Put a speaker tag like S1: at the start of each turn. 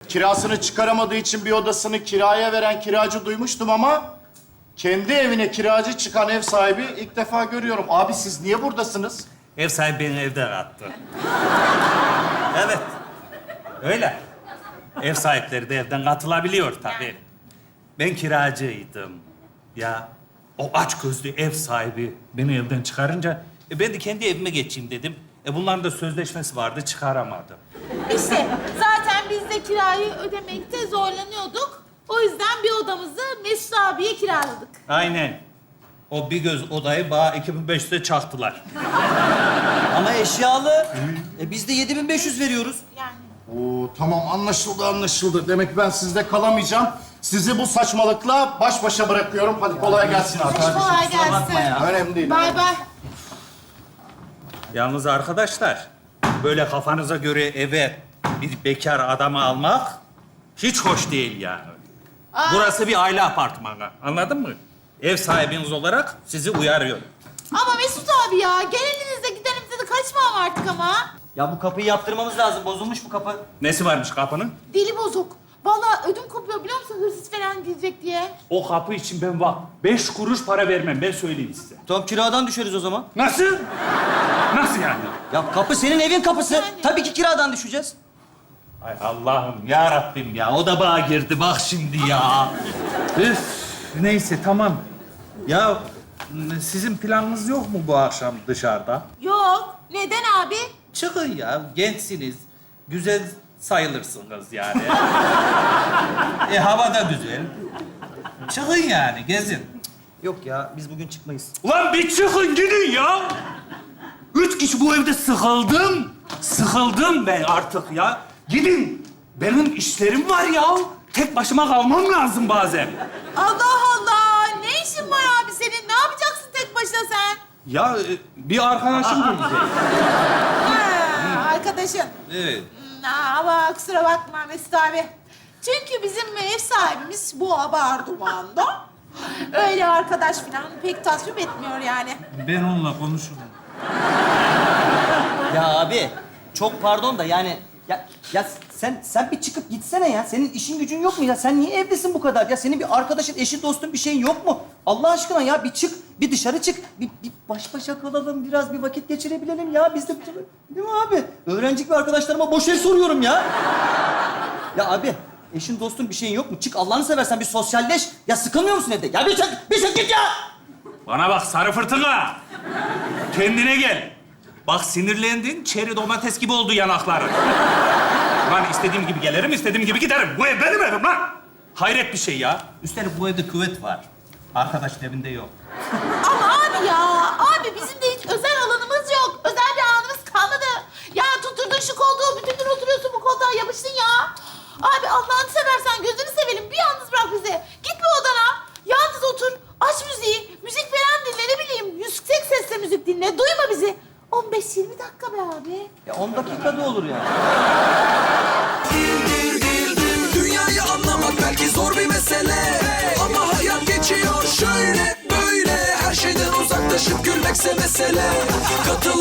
S1: kirasını çıkaramadığı için bir odasını kiraya veren kiracı duymuştum ama... ...kendi evine kiracı çıkan ev sahibi ilk defa görüyorum. Abi siz niye buradasınız?
S2: Ev sahibi beni evden attı. Evet. Öyle. Ev sahipleri de evden katılabiliyor tabii. Ben kiracıydım. Ya o açgözlü ev sahibi beni evden çıkarınca ben de kendi evime geçeyim dedim. Bunların da sözleşmesi vardı, çıkaramadım.
S3: İşte zaten biz de kirayı ödemekte zorlanıyorduk. O yüzden bir odamızı Mesut abiye kiraladık.
S2: Aynen. O bir göz odayı bana 2500'e çaktılar.
S4: Ama eşyalı. Biz de 7500 veriyoruz.
S3: Yani.
S1: Oo, tamam anlaşıldı. Demek ben sizde kalamayacağım. Sizi bu saçmalıkla baş başa bırakıyorum. Hadi kolay gelsin abi.
S3: Kolay gelsin.
S1: Önemli değil.
S3: Bay bay.
S2: Yalnız arkadaşlar, böyle kafanıza göre eve bir bekar adamı almak hiç hoş değil yani. Burası bir aile apartmanı, anladın mı? Ev sahibiniz olarak sizi uyarıyorum.
S3: Ama Mesut abi ya, geleninize gidenimize de kaçmam artık ama.
S4: Ya bu kapıyı yaptırmamız lazım. Bozulmuş bu kapı.
S2: Nesi varmış kapının?
S3: Dili bozuk. Vallahi ödüm kopuyor biliyor musun hırsız falan girecek diye.
S2: O kapı için ben bak 5 kuruş para vermem, ben söyleyeyim size.
S4: Tamam kiradan düşeriz o zaman.
S2: Nasıl? Nasıl yani?
S4: Ya kapı senin evin kapısı.
S3: Yani.
S4: Tabii ki kiradan düşeceğiz.
S2: Ay Allah'ım ya Rabbim ya, o da bağa girdi bak şimdi ya. Üf, neyse tamam. Ya sizin planınız yok mu bu akşam dışarıda?
S3: Yok. Neden abi?
S2: Çıkın ya, gençsiniz. Güzel sayılırsınız yani. Hava da güzel. Çıkın yani, gezin.
S4: Yok ya biz bugün çıkmayız.
S2: Ulan bir çıkın gidin ya. 3 kişi bu evde sıkıldım. Sıkıldım ben artık ya. Gidin. Benim işlerim var ya. Tek başıma kalmam lazım bazen.
S3: Allah Allah. Ne işin var abi senin? Ne yapacaksın tek başına sen?
S2: Ya bir arkadaşım gelecek.
S3: Ha, arkadaşın.
S2: Evet.
S3: Ama kusura bakma Mesut abi. Çünkü bizim ev sahibimiz bu Abarduman'da. Öyle arkadaş falan pek tasvip etmiyor yani.
S2: Ben onunla konuşurum.
S4: Ya abi çok pardon da yani ya sen bir çıkıp gitsene ya. Senin işin gücün yok mu ya? Sen niye evdesin bu kadar? Ya senin bir arkadaşın, eşin, dostun bir şeyin yok mu? Allah aşkına ya bir çık, bir dışarı çık. Bir baş başa kalalım, biraz bir vakit geçirebilelim ya. Biz de değil mi abi? Öğrencik ve arkadaşlarıma boş el soruyorum ya. Ya abi eşin, dostun bir şeyin yok mu? Çık Allah'ını seversen bir sosyalleş. Ya sıkılmıyor musun evde? Ya bir çık git ya!
S2: Bana bak sarı fırtına. Kendine gel. Bak sinirlendin, çeri domates gibi oldu yanakların. Lan istediğim gibi gelirim, istediğim gibi giderim. Bu ev benim evim lan. Hayret bir şey ya. Üstelik bu evde küvet var. Arkadaşın evinde yok.
S3: Ama abi ya, abi bizim de hiç özel alanımız yok. Özel bir anımız kalmadı. Ya tutturdun şu koltuğu, bütün gün oturuyorsun bu koltuğa yapıştın ya. Abi Allah'ını seversen gözünü sevelim, bir yalnız bırak bizi. Git bir odana, yalnız otur, aç müziği, müzik falan dinle, ne bileyim. Yüksek sesle müzik dinle, duyma bizi. 15-20 dakika be abi.
S4: Ya 10 dakikada olur ya.
S5: Dünyayı anlamak belki zor bir mesele, ama hayat geçiyor şöyle böyle. Her şeyden uzaklaşıp gülmekse mesele. Katıl